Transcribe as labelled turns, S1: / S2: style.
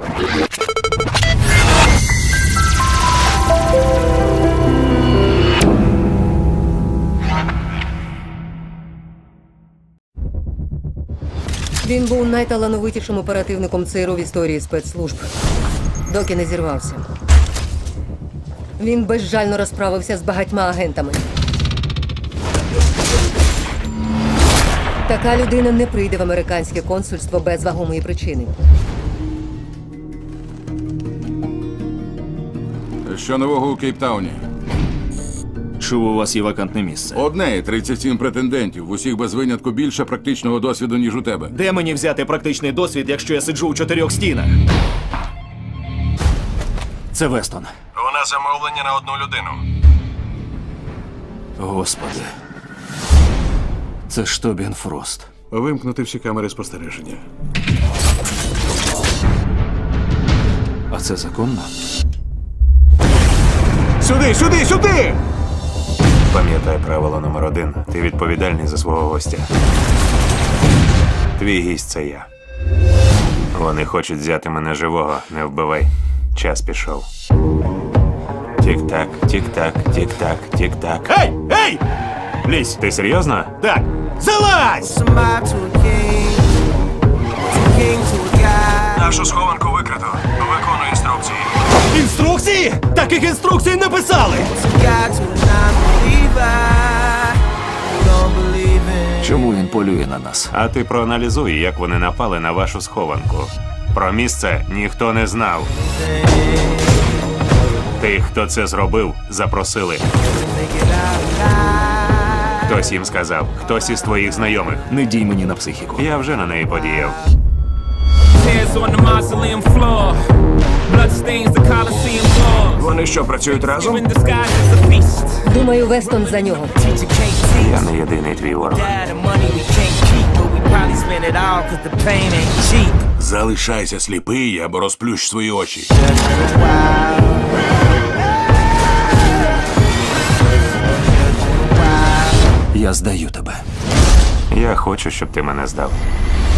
S1: Він був найталановитішим оперативником ЦРУ в історії спецслужб, доки не зірвався. Він безжально розправився з багатьма агентами. Така людина не прийде в американське консульство без вагомої причини.
S2: Що нового у Кейптауні?
S3: Чув, у вас є вакантне місце.
S2: Одне і 37 претендентів. В усіх без винятку більше практичного досвіду, ніж у тебе.
S3: Де мені взяти практичний досвід, якщо я сиджу у 4 стінах? Це Вестон.
S4: У нас замовлення на одну людину.
S3: Господи. Це ж Тобін Фрост.
S4: Вимкнути всі камери спостереження.
S3: А це законно?
S4: Сюди, сюди, сюди! Пам'ятай правило номер 1. Ти відповідальний за свого гостя. Твій гість – це я. Вони хочуть взяти мене живого. Не вбивай. Час пішов. Тік-так, тік-так, тік-так, тік-так.
S3: Ей! Ей! Лізь!
S4: Ти серйозно?
S3: Так! Залазь!
S4: Нашу схованку викрито. Виконую інструкції.
S3: Інструкції? Таких інструкцій не писали! Чому він полює на нас?
S4: А ти проаналізуй, як вони напали на вашу схованку. Про місце ніхто не знав. Тих, хто це зробив, запросили. Хтось їм сказав, хтось із твоїх знайомих.
S3: Не дій мені на психіку.
S4: Я вже на неї подіяв.
S5: Tears on the mausoleum floor. Blood stains the Colosseum floor.
S4: Вони що, працюють разом?
S5: In disguise as a beast.
S1: Думаю, Вестон за нього.
S5: Teacher can't
S4: Я
S5: teach.
S4: не єдиний твій ворог.
S5: Dad, the money we can't keep, but we probably spend it all 'cause the pain ain't cheap.
S2: Залишайся сліпий або розплющ свої очі.
S3: Я здаю тебе.
S4: Я хочу, щоб ти мене здав.